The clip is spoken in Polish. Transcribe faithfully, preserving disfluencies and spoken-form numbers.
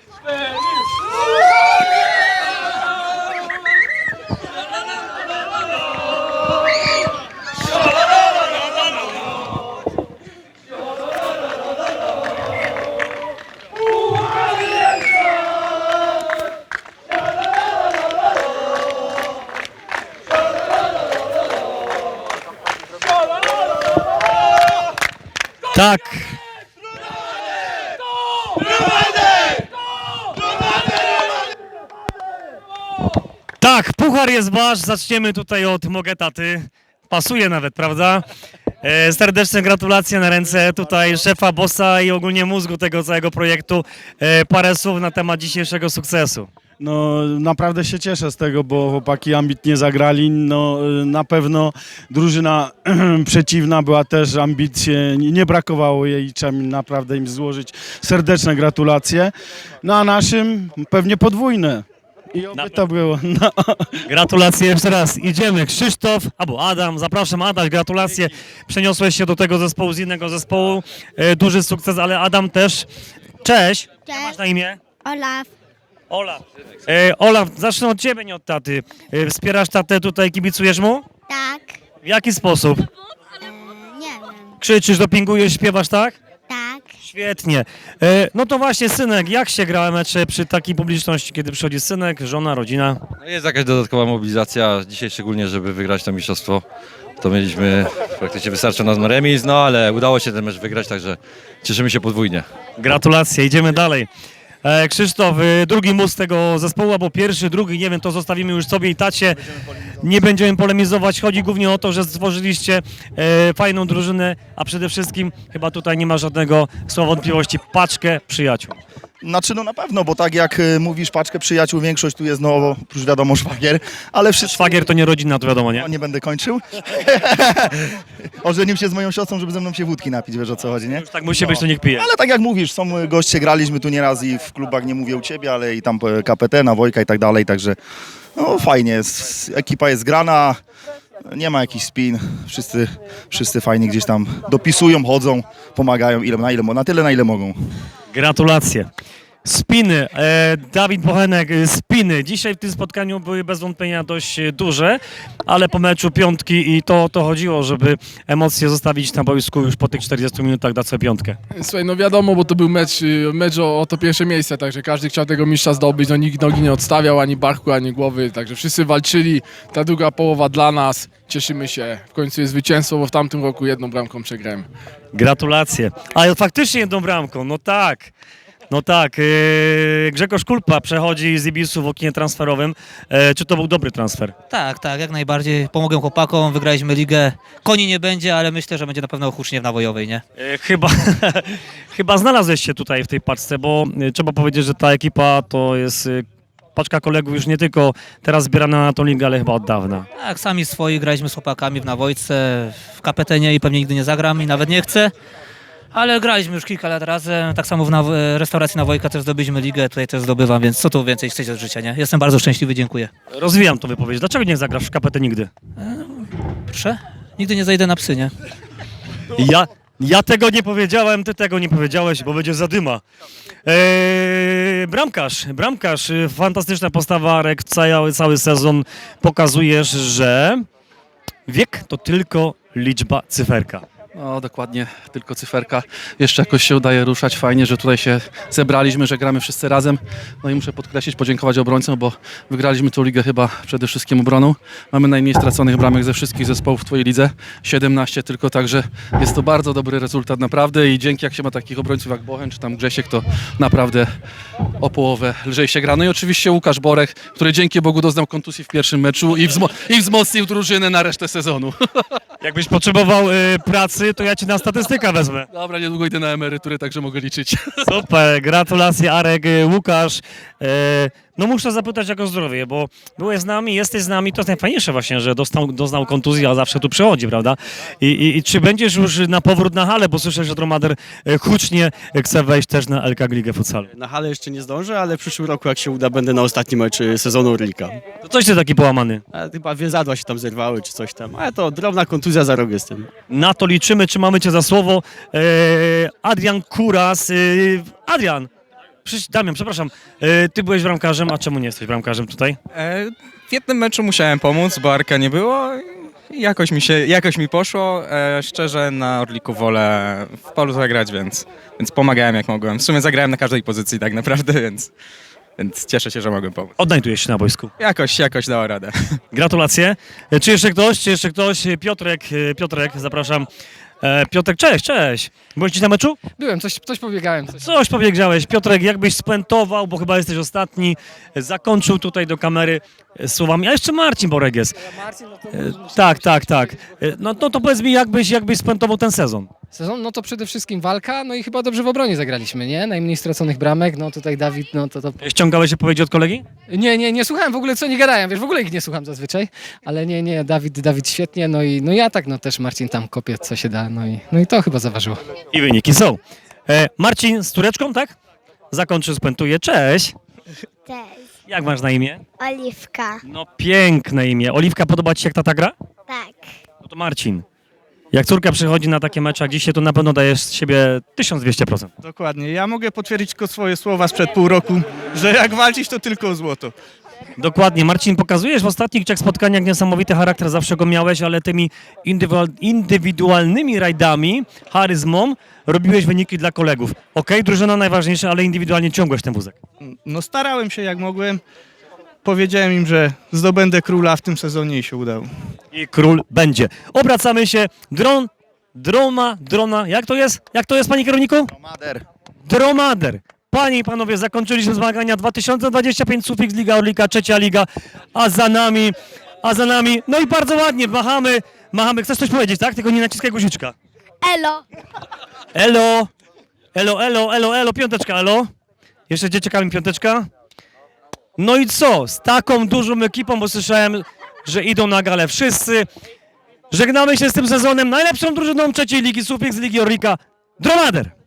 Tak. Tak, puchar jest wasz. Zaczniemy tutaj od Mogetaty. Pasuje nawet, prawda? E, serdeczne gratulacje na ręce tutaj szefa, bossa i ogólnie mózgu tego całego projektu. E, parę słów na temat dzisiejszego sukcesu. No naprawdę się cieszę z tego, bo chłopaki ambitnie zagrali. No na pewno drużyna przeciwna była też ambitnie, nie brakowało jej, trzeba im naprawdę im złożyć serdeczne gratulacje. No a naszym pewnie podwójne. I oby to było. No. Gratulacje jeszcze raz. Idziemy. Krzysztof albo Adam. Zapraszam, Adaś, gratulacje. Przeniosłeś się do tego zespołu z innego zespołu. E, duży sukces, ale Adam też. Cześć. Jak Cześć. masz na imię? Olaf. Olaf. E, Olaf, zacznę od ciebie, nie od taty. E, wspierasz tatę tutaj, kibicujesz mu? Tak. W jaki sposób? E, nie wiem. Krzyczysz, dopingujesz, śpiewasz, tak? Tak. Świetnie. E, no to właśnie, synek, jak się gra mecze przy takiej publiczności, kiedy przychodzi synek, żona, rodzina? No jest jakaś dodatkowa mobilizacja, dzisiaj szczególnie, żeby wygrać to mistrzostwo. To mieliśmy praktycznie wystarczająco remis, no ale udało się ten mecz wygrać, także cieszymy się podwójnie. Gratulacje, idziemy dalej. E, Krzysztof, e, drugi mózg tego zespołu, albo pierwszy, drugi, nie wiem, to zostawimy już sobie i tacie. Nie będziemy polemizować. Chodzi głównie o to, że stworzyliście e, fajną drużynę, a przede wszystkim chyba tutaj nie ma żadnego słowa wątpliwości, paczkę przyjaciół. Znaczy no na pewno, bo tak jak y, mówisz, paczkę przyjaciół, większość tu jest, no oprócz wiadomo szwagier, ale wszyscy... Szwagier to nie rodzina, to wiadomo, nie? No, nie będę kończył. Ożenił się z moją siostrą, żeby ze mną się wódki napić, wiesz o co chodzi, nie? Już tak musi być, to niech pije. Ale tak jak mówisz, są y, goście, graliśmy tu nieraz i w klubach, nie mówię u ciebie, ale i tam y, K P T, na Wojka i tak dalej, także no fajnie, jest, ekipa jest grana, nie ma jakichś spin, wszyscy, wszyscy fajnie gdzieś tam dopisują, chodzą, pomagają, ile, na, ile, na tyle, na ile mogą. Gratulacje. Spiny. E, Dawid Bochenek, e, spiny. Dzisiaj w tym spotkaniu były bez wątpienia dość e, duże, ale po meczu piątki i to o to chodziło, żeby emocje zostawić na boisku już po tych czterdziestu minutach, dać sobie piątkę. Słuchaj, no wiadomo, bo to był mecz, y, mecz o, o to pierwsze miejsce, także każdy chciał tego mistrza zdobyć, no nikt nogi nie odstawiał, ani barku, ani głowy, także wszyscy walczyli, ta druga połowa dla nas, cieszymy się, w końcu jest zwycięstwo, bo w tamtym roku jedną bramką przegrałem. Gratulacje. Ale faktycznie jedną bramką, no tak. No tak, e, Grzegorz Kulpa przechodzi z Ibisu w oknie transferowym. E, czy to był dobry transfer? Tak, tak, jak najbardziej. Pomogłem chłopakom, wygraliśmy ligę. Koni nie będzie, ale myślę, że będzie na pewno hucznie w nawojowej, nie? E, chyba, chyba znalazłeś się tutaj w tej paczce, bo e, trzeba powiedzieć, że ta ekipa to jest e, paczka kolegów już nie tylko teraz zbierana na tą ligę, ale chyba od dawna. Tak, sami swoi graliśmy z chłopakami w nawojce, w kapetenie i pewnie nigdy nie zagram i nawet nie chcę. Ale graliśmy już kilka lat razem, tak samo w naw- restauracji Nawojka też zdobyliśmy ligę, tutaj też zdobywam, więc co tu więcej chcecie od życia, nie? Jestem bardzo szczęśliwy, dziękuję. Rozwijam to wypowiedź. Dlaczego nie zagrasz w K P T nigdy? Proszę? Nigdy nie zajdę na psy, nie? Ja, ja tego nie powiedziałem, ty tego nie powiedziałeś, bo będzie zadyma. Eee, bramkarz, bramkarz, y, fantastyczna postawa, Arek, cały, cały sezon pokazujesz, że wiek to tylko liczba, cyferka. No dokładnie, tylko cyferka. Jeszcze jakoś się udaje ruszać. Fajnie, że tutaj się zebraliśmy, że gramy wszyscy razem. No i muszę podkreślić, podziękować obrońcom, bo wygraliśmy tę ligę chyba przede wszystkim obroną. Mamy najmniej straconych bramek ze wszystkich zespołów w twojej lidze. siedemnaście tylko, także jest to bardzo dobry rezultat naprawdę i dzięki jak się ma takich obrońców jak Bochen czy tam Grzesiek, to naprawdę o połowę lżej się gra. No i oczywiście Łukasz Borek, który dzięki Bogu doznał kontuzji w pierwszym meczu i, wzmo- i wzmocnił drużynę na resztę sezonu. Jakbyś potrzebował y, pracy, to ja cię na statystykę wezmę. Dobra, niedługo idę na emeryturę, także mogę liczyć. Super, gratulacje Arek, y, Łukasz. E, no muszę zapytać jak o zdrowie, bo byłeś z nami, jesteś z nami, to jest najfajniejsze właśnie, że dostał, doznał kontuzji, a zawsze tu przychodzi, prawda? I, i, I czy będziesz już na powrót na halę, bo słyszę, że Dromader e, hucznie chce wejść też na L K Ligę Futsalu. Na halę jeszcze nie zdążę, ale w przyszłym roku jak się uda, będę na ostatnim mecz sezonu Orlika. To coś ty taki połamany. A chyba więzadła się tam zerwały czy coś tam, ale to drobna kontuzja za rok jestem. Na to liczymy, trzymamy cię za słowo. E, Adrian Kuras. E, Adrian, Przyś- Damian, przepraszam, e, ty byłeś bramkarzem, a czemu nie jesteś bramkarzem tutaj? E, w jednym meczu musiałem pomóc, bo Arka nie było i jakoś mi, się, jakoś mi poszło. E, szczerze na Orliku wolę w polu zagrać, więc, więc pomagałem jak mogłem. W sumie zagrałem na każdej pozycji tak naprawdę, więc, więc cieszę się, że mogłem pomóc. Odnajdujesz się na boisku. Jakoś, jakoś dała radę. Gratulacje. E, Czy jeszcze ktoś? Czy jeszcze ktoś? E, Piotrek, e, Piotrek, zapraszam. E, Piotrek, cześć, cześć. Byłeś dziś na meczu? Byłem, coś, coś pobiegałem. Coś. Coś powiedziałeś. Piotrek, jakbyś spuentował, bo chyba jesteś ostatni, e, zakończył tutaj do kamery e, słowami, a jeszcze Marcin Borek jest. E, Tak, tak, tak. E, No, no to powiedz mi, jakbyś, jakbyś spuentował ten sezon? Sezon, no to przede wszystkim walka, no i chyba dobrze w obronie zagraliśmy, nie? Najmniej straconych bramek, no tutaj Dawid, no to to... Ściągałeś odpowiedzi od kolegi? Nie, nie, nie słuchałem w ogóle, co oni gadają, wiesz, w ogóle ich nie słucham zazwyczaj, ale nie, nie, Dawid, Dawid świetnie, no i no ja tak, no też Marcin tam kopie, co się da, no i, no i to chyba zaważyło. I wyniki są. E, Marcin z Tureczką, tak? Zakończy, spuentuje. Cześć. Cześć. Jak masz na imię? Oliwka. No piękne imię. Oliwka, podoba ci się jak tata gra? Tak. No to Marcin. Jak córka przychodzi na takie mecze jak dzisiaj, to na pewno dajesz z siebie tysiąc dwieście procent. Dokładnie. Ja mogę potwierdzić tylko swoje słowa sprzed pół roku, że jak walczyć, to tylko o złoto. Dokładnie. Marcin, pokazujesz w ostatnich trzech spotkaniach niesamowity charakter, zawsze go miałeś, ale tymi indywidual- indywidualnymi rajdami, charyzmą robiłeś wyniki dla kolegów. Okej, drużyna najważniejsza, ale indywidualnie ciągłeś ten wózek. No starałem się jak mogłem. Powiedziałem im, że zdobędę króla w tym sezonie i się udało. I król będzie. Obracamy się. Dron, droma, drona. Jak to jest? Jak to jest, panie kierowniku? Mader. Dromader. Panie i panowie, zakończyliśmy zmagania dwa tysiące dwadzieścia pięć Sufix Liga Orlika, trzecia liga, a za nami, a za nami, no i bardzo ładnie, machamy, machamy. Chcesz coś powiedzieć, tak? Tylko nie naciskaj guziczka. Elo. Elo, elo, elo, elo, elo, piąteczka, elo. Jeszcze dzieciakami piąteczka. No i co? Z taką dużą ekipą, bo słyszałem, że idą na galę wszyscy. Żegnamy się z tym sezonem. Najlepszą drużyną trzeciej ligi Sufix Ligi Orlika. Dromader.